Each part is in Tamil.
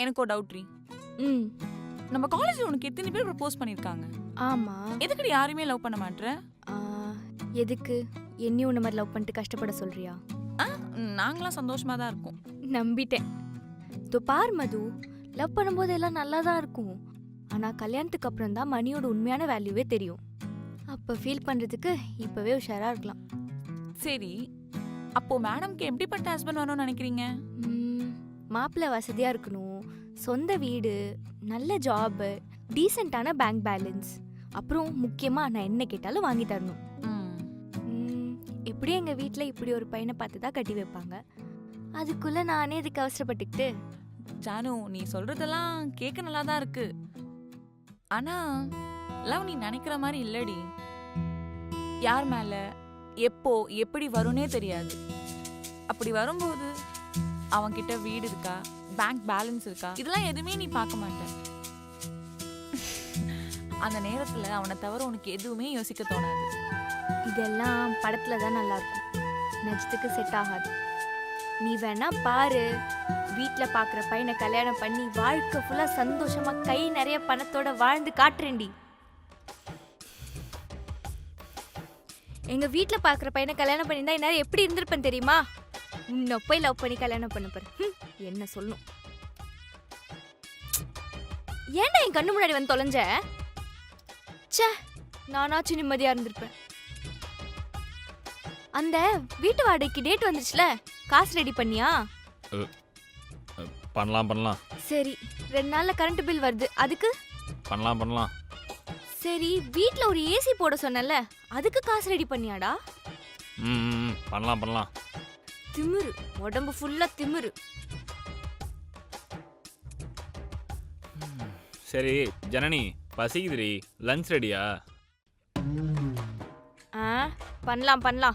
எனக்கு ஒரு டவுட்ரி. ம் நம்ம காலேஜ்ல உனக்கு எத்தனை பேர் ப்ரப்போஸ் பண்ணிருக்காங்க? ஆமா. எதுக்குடி யாரையுமே லவ் பண்ண மாட்ற? ஆ, எதுக்கு என்னையும் உன்ன மாதிரி லவ் பண்ணிட்டு கஷ்டப்பட சொல்றியா? நாங்களாம் சந்தோஷமா தான் இருக்கோம். நம்பிட்டேன். இதோ பார் மது, லவ் பண்ணும்போது எல்லாம் நல்லா தான் இருக்கும். ஆனா கல்யாணத்துக்கு அப்புறம் தான் மணியோட உண்மையான வேல்யூவே தெரியும். அப்ப ஃபீல் பண்றதுக்கு இப்பவே உஷாரா இருக்கலாம். சரி, அப்போ மேடம்க்கு எப்படிப்பட்ட ஹஸ்பண்ட் வரணும்னு நினைக்கிறீங்க? மாப்பிள்ளை வசதியா இருக்கணும், சொந்த வீடு, நல்ல ஜாப், டீசெண்டான பேங்க் பேலன்ஸ், அப்புறம் முக்கியமா நான் என்ன கேட்டாலும் வாங்கி தரணும். எப்படி எங்க வீட்டில் இப்படி ஒரு பையனை பார்த்து தான் கட்டி வைப்பாங்க. அதுக்குள்ள நானே இதுக்கு அவசரப்பட்டுக்கிட்டு. ஜானு, நீ சொல்றதெல்லாம் கேட்க நல்லா தான் இருக்கு. ஆனா லவ் நீ நினைக்கிற மாதிரி இல்லடி. யார் மேல எப்போ எப்படி வரும்னே தெரியாது. அப்படி வரும்போது அவன்கிட்ட வீடு இருக்கா, பேங்க் பேலன்ஸ் இருக்கா, இதெல்லாம் எதுவுமே நீ பார்க்க மாட்ட. அந்த நேரத்துல அவனை தவிர உனக்கு எதுவுமே யோசிக்க தோணாது. இதெல்லாம் படத்துல தான் நல்லா இருக்கும், நிஜத்துக்கு செட் ஆகாது. நீ வேணா பாரு, வீட்ல பாக்குற பையனை கல்யாணம் பண்ணி வாழ்க்கை ஃபுல்லா சந்தோஷமா கை நிறைய பணத்தோட வாழ்ந்து காட்டுறேன்டி. எங்க வீட்ல பாக்குற பையனை கல்யாணம் பண்ணியிருந்தா இந்நேரம் எப்படி இருந்திருப்பேன் தெரியுமா? உன்னை போய் லவ் பண்ணி கல்யாணம் பண்ண பாரு. என்ன சொல்லணும்? ஏன்டா என் கண்ணு முன்னாடி வந்து தொலைஞ்ச? ச்சே, நானாச்சும் நிம்மதியா இருந்திருப்பேன். அந்த வீட்டு வாடகைக்கு டேட் வந்துச்சுல, காசு ரெடி பண்ணியா? பண்ணலாம். சரி, 2 நாள்ல கரண்ட் பில் வருது, அதுக்கு பண்ணலாம். சரி, வீட்ல ஒரு ஏசி போட சொன்னல, அதுக்கு காசு ரெடி பண்ணியாடா? பண்ணலாம். திமிரு, உடம்பு ஃபுல்லா திமிரு. சரி ஜனனி, பசிக்குதுடி, லஞ்ச் ரெடியா? பண்ணலாம்.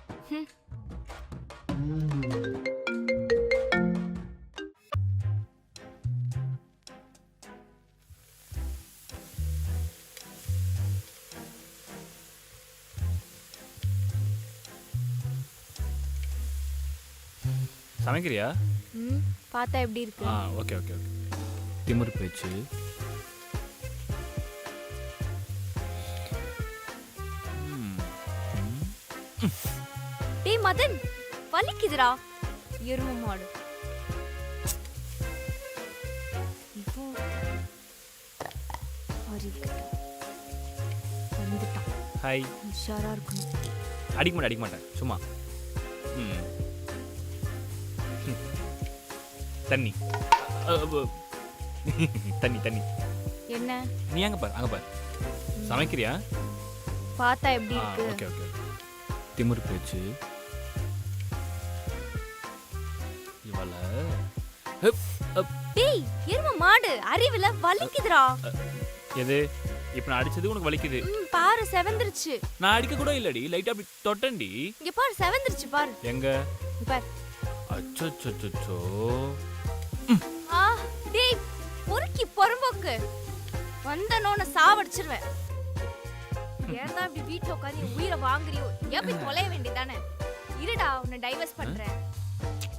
சமைக்கிறியா? பார்த்தா எப்படி இருக்கு? ஓகே. திமிரு பேச்சு. டேய் மதன், வலிக்குதுடா எரும மாடு. ஹாய். உஷாரா இருக்கணும். அடிக்க மாட்டேன் சும்மா. தண்ணி. தண்ணி. என்ன? நீ அங்க பாரு. சமைக்கிறியா? பார்த்தா எப்படி இருக்கு? ஓகே. திமிரு பேச்சு. இவள டேய் எரும மாடு, அறிவில வலிக்குதுடா. எது? இப்ப நான் அடிச்சது உனக்கு வலிக்குது? பாரு, செவந்திருச்சு. நான் அடிக்க கூட இல்லடி, லைட்டா அப்படி தொட்டண்டி. இங்க பாரு, செவந்திருச்சு பாரு. எங்க? பாரு. அச்சச்சோ. டேய் பொறுக்கி பொறம்போக்கு, வந்தனோன சாவடிச்சிருவேன். ஏன்டா இப்படி வீட்ல உட்கார்ந்து உயிரை வாங்குறியோ? ஏன் போய் தொலைய வேண்டியதானே? இருடா, உன்னை டைவர்ஸ் பண்றேன்.